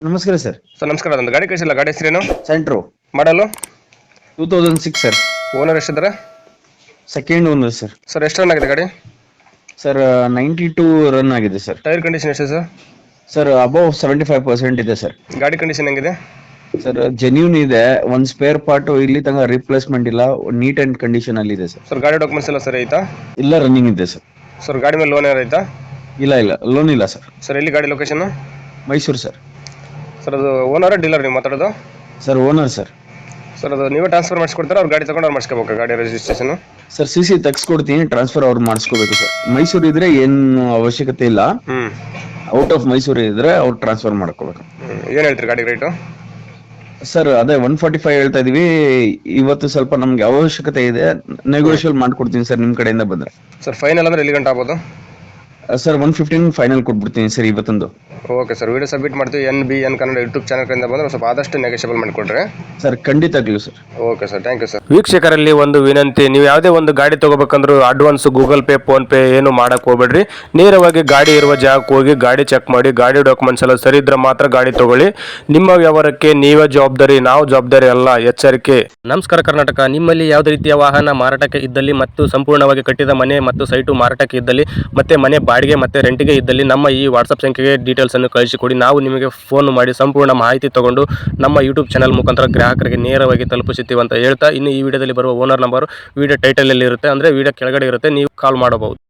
ನಮಸ್ಕಾರ sir. Sir ನಮಸ್ಕಾರ. ಒಂದು ಗಾಡಿ ಕಳಿಸಿಲ್ಲ, ಗಾಡಿ ಹೆಸರೇನು? ಸೆಂಟ್ರೋ ಮಾಡಲು 2006 ಸರ್. ಓನರ್ ಎಷ್ಟಿದ್ದಾರೆ? Second owner sir. ಸರ್ ಎಷ್ಟು ರನ್ ಆಗಿದೆ ಗಾಡಿ? ಸರ್ 92 ರನ್ ಆಗಿದೆ ಸರ್. ಟೈರ್ ಕಂಡೀಷನ್ ಎಷ್ಟು ಸರ್? ಸರ್ ಅಬೌವ್ 75% ಇದೆ ಸರ್. ಗಾಡಿ ಕಂಡೀಷನ್ ಹೆಂಗಿದೆ? ಸರ್ ಜೆನ್ಯೂನ್ ಇದೆ, ಒಂದು ಸ್ಪೇರ್ ಪಾರ್ಟ್ ಇಲ್ಲಿ ತನಕ ರಿಪ್ಲೇಸ್ಮೆಂಟ್ ಇಲ್ಲ, ನೀಟ್ ಅಂಡ್ ಕಂಡೀಷನ್ ಅಲ್ಲಿ ಇದೆ ಸರ್. ಸರ್ ಗಾಡಿ ಡಾಕ್ಯುಮೆಂಟ್ಸ್ ಎಲ್ಲ ಸರಿ ಐತಾ? ಇಲ್ಲ, ರನ್ನಿಂಗ್ ಇದೆ ಸರ್. ಸರ್ ಗಾಡಿ ಮೇಲೆ ಲೋನ್ ಏನಾರು ಐತಾ? ಇಲ್ಲ ಲೋನ್ ಇಲ್ಲ ಸರ್. ಸರ್ ಎಲ್ಲಿ ಗಾಡಿ ಲೊಕೇಶನ್? ಮೈಸೂರು ಸರ್. ಸರ್ ಅದು ಓನರ್ ಡೀಲರ್ ನೀವು ಮಾತಾಡೋದು? Sir owner sir. ಸರ್ ಅದು ನೀವೇ ಟ್ರಾನ್ಸ್ಫರ್ ಮಾಡಿಸ್ಕೊಡ್ತಾರೆ, ಅವ್ರು ಗಾಡಿ ತಗೊಂಡು ಅವ್ರು ಮಾಡಿಸ್ಕೋಬೇಕು ಗಾಡಿ ರಿಜಿಸ್ಟ್ರೇಷನ್? ಸರ್ CC ತೆಗ್ಸ್ಕೊಡ್ತೀನಿ, ಟ್ರಾನ್ಸ್ಫರ್ ಅವ್ರು ಮಾಡಿಸ್ಕೋಬೇಕು ಸರ್. ಮೈಸೂರು ಇದ್ರೆ ಏನು ಅವಶ್ಯಕತೆ ಇಲ್ಲ, ಔಟ್ ಆಫ್ ಮೈಸೂರು ಇದ್ರೆ ಅವ್ರು ಟ್ರಾನ್ಸ್ಫರ್ ಮಾಡ್ಕೋಬೇಕು. ಏನು ಹೇಳ್ತೀರಿ ಗಾಡಿ ರೇಟು? ಸರ್ ಅದೇ 145 ಹೇಳ್ತಾ ಇದೀವಿ. ಇವತ್ತು ಸ್ವಲ್ಪ ನಮ್ಗೆ ಅವಶ್ಯಕತೆ ಇದೆ, ನೆಗೋಷಿಯಲ್ ಮಾಡ್ಕೊಡ್ತೀನಿ ಸರ್ ನಿಮ್ ಕಡೆಯಿಂದ ಬಂದ್ರೆ. ಸರ್ ಫೈನಲ್ ಅಂದ್ರೆ ಎಲ್ಲಿ ಗಂಟೆ ಆಗ್ಬೋದು? ಸರ್ 115 ಫೈನಲ್ ಕೊಟ್ಬಿಡ್ತೀನಿ ಸರ್ ಇವತ್ತೊಂದು. ಓಕೆ ಸರ್, ವಿಡಿಯೋ ಸಬ್ಮಿಟ್ ಮಾಡ್ತೀವಿ. NBN ಕನ್ನಡ ಯೂಟ್ಯೂಬ್ ಚಾನಲ್ ಕಡೆಯಿಂದ ಬಂದ್ರೆ ಸ್ವಲ್ಪ ಆದಷ್ಟು ನೆಗೋಷಿಯಬಲ್ ಮಾಡಿಕೊಡ್ರಿ ಸರ್. ಖಂಡಿತಗ್ಲೂ sir. Okay sir, thank you sir. ವೀಕ್ಷಕರಲ್ಲಿ ಒಂದು ವಿನಂತಿ, ನೀವು ಯಾವುದೇ ಒಂದು ಗಾಡಿ ತಗೋಬೇಕಂದ್ರೂ advance Google Pay PhonePe ಏನು ಮಾಡಕ್ ಹೋಗ್ಬೇಡ್ರಿ. ನೇರವಾಗಿ ಗಾಡಿ ಇರುವ ಜಾಗಕ್ಕೆ ಹೋಗಿ ಗಾಡಿ ಚೆಕ್ ಮಾಡಿ, ಗಾಡಿ ಡಾಕ್ಯುಮೆಂಟ್ಸ್ ಎಲ್ಲ ಸರಿ ಇದ್ರೆ ಮಾತ್ರ ಗಾಡಿ ತಗೊಳ್ಳಿ. ನಿಮ್ಮ ವ್ಯವಹಾರಕ್ಕೆ ನೀವೇ ಜವಾಬ್ದಾರಿ, ನಾವು ಜವಾಬ್ದಾರಿ ಅಲ್ಲ, ಎಚ್ಚರಿಕೆ. ನಮಸ್ಕಾರ ಕರ್ನಾಟಕ. ನಿಮ್ಮಲ್ಲಿ ಯಾವುದೇ ರೀತಿಯ ವಾಹನ ಮಾರಾಟಕ್ಕೆ ಇದ್ದಲ್ಲಿ ಮತ್ತು ಸಂಪೂರ್ಣವಾಗಿ ಕಟ್ಟಿದ ಮನೆ ಮತ್ತು ಸೈಟು ಮಾರಾಟಕ್ಕೆ ಇದ್ದಲ್ಲಿ ಮತ್ತೆ ಮನೆ ಬಾಡಿಗೆ ಮತ್ತೆ ರೆಂಟಿಗೆ ಇದ್ದಲ್ಲಿ ನಮ್ಮ ಈ ವಾಟ್ಸಪ್ ಸಂಖ್ಯೆಗೆ ಡೀಟೇಲ್ಸ್ ಅನ್ನು ಕಳಿಸಿಕೊಡಿ. ನಾವು ನಿಮಗೆ ಫೋನ್ ಮಾಡಿ ಸಂಪೂರ್ಣ ಮಾಹಿತಿ ತಗೊಂಡು ನಮ್ಮ ಯೂಟ್ಯೂಬ್ ಚಾನಲ್ ಮುಖಾಂತರ ಗ್ರಾಹಕರಿಗೆ ನೇರವಾಗಿ ತಲುಪಿಸುತ್ತೀವಿ ಅಂತ ಹೇಳ್ತಾ, ಇನ್ನು ಈ ವಿಡಿಯೋದಲ್ಲಿ ಬರುವ ಓನರ್ ನಂಬರ್ ವಿಡಿಯೋ ಟೈಟಲ್ ಅಲ್ಲಿ ಇರುತ್ತೆ, ಅಂದ್ರೆ ವಿಡಿಯೋ ಕೆಳಗಡೆ ಇರುತ್ತೆ, ನೀವು ಕಾಲ್ ಮಾಡಬಹುದು.